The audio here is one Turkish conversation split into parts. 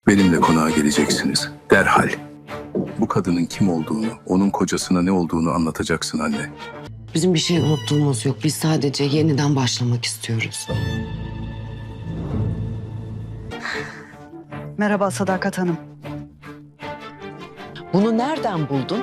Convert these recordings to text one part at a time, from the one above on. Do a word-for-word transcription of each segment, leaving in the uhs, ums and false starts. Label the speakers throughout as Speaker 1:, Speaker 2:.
Speaker 1: Benimle konağa geleceksiniz. Derhal. Bu kadının kim olduğunu, onun kocasına ne olduğunu anlatacaksın anne.
Speaker 2: Bizim bir şey unuttuğumuz yok. Biz sadece yeniden başlamak istiyoruz.
Speaker 3: Merhaba Sadakat Hanım.
Speaker 2: Bunu nereden buldun?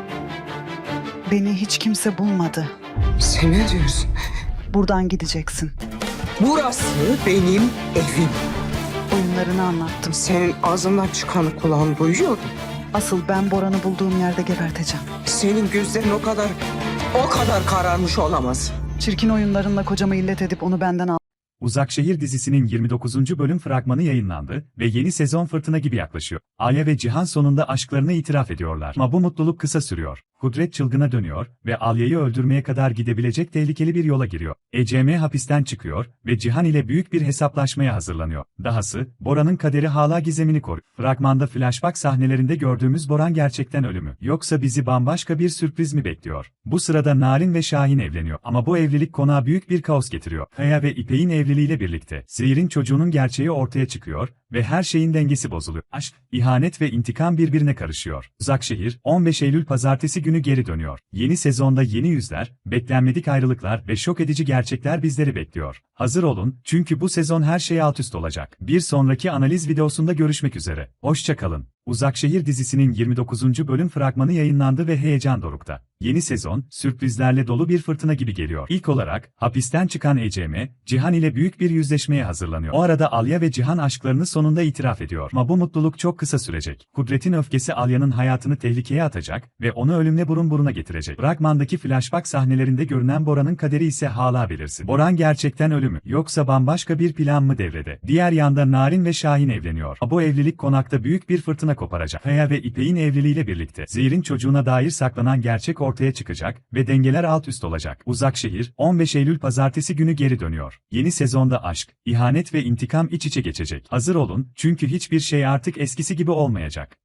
Speaker 3: Beni hiç kimse bulmadı.
Speaker 4: Sen ne diyorsun?
Speaker 3: Buradan gideceksin.
Speaker 4: Burası benim evim.
Speaker 3: Oyunlarını anlattım.
Speaker 4: Senin ağzından çıkanı kulağın duyuyor.
Speaker 3: Asıl ben Boran'ı bulduğum yerde geberteceğim.
Speaker 4: Senin gözlerin o kadar, o kadar kararmış olamaz.
Speaker 3: Çirkin oyunlarınla kocamı illet edip onu benden al.
Speaker 5: Uzakşehir dizisinin yirmi dokuzuncu bölüm fragmanı yayınlandı ve yeni sezon fırtına gibi yaklaşıyor. Alya ve Cihan sonunda aşklarını itiraf ediyorlar. Ama bu mutluluk kısa sürüyor. Kudret çılgına dönüyor ve Alya'yı öldürmeye kadar gidebilecek tehlikeli bir yola giriyor. E C M hapisten çıkıyor ve Cihan ile büyük bir hesaplaşmaya hazırlanıyor. Dahası, Bora'nın kaderi hala gizemini koruyor. Fragmanda flashback sahnelerinde gördüğümüz Boran gerçekten ölü mü? Yoksa bizi bambaşka bir sürpriz mi bekliyor? Bu sırada Narin ve Şahin evleniyor. Ama bu evlilik konağa büyük bir kaos getiriyor. Kaya ve İpek'in evliliğiyle birlikte Zehir'in çocuğunun gerçeği ortaya çıkıyor ve her şeyin dengesi bozuluyor. Aşk, ihanet ve intikam birbirine karışıyor. Uzakşehir, on beş Eylül pazartesi günü geri dönüyor. Yeni sezonda yeni yüzler, beklenmedik ayrılıklar ve şok edici gerçekler bizleri bekliyor. Hazır olun, çünkü bu sezon her şey alt üst olacak. Bir sonraki analiz videosunda görüşmek üzere. Hoşça kalın. Uzakşehir dizisinin yirmi dokuzuncu bölüm fragmanı yayınlandı ve heyecan dorukta. Yeni sezon, sürprizlerle dolu bir fırtına gibi geliyor. İlk olarak, hapisten çıkan E C M, Cihan ile büyük bir yüzleşmeye hazırlanıyor. O arada Alya ve Cihan aşklarını sonunda itiraf ediyor. Ama bu mutluluk çok kısa sürecek. Kudret'in öfkesi Alya'nın hayatını tehlikeye atacak ve onu ölümle burun buruna getirecek. Fragmandaki flashback sahnelerinde görünen Bora'nın kaderi ise hala belirsiz. Boran gerçekten ölü mü? Yoksa bambaşka bir plan mı devrede? Diğer yanda Narin ve Şahin evleniyor. Ama bu evlilik konakta büyük bir fırtına koparacak. Kaya ve İpek'in evliliğiyle birlikte Zehir'in çocuğuna dair saklanan gerçek ortaya çıkacak ve dengeler alt üst olacak. Uzakşehir, on beş Eylül pazartesi günü geri dönüyor. Yeni sezonda aşk, ihanet ve intikam iç içe geçecek. Hazır olun, çünkü hiçbir şey artık eskisi gibi olmayacak.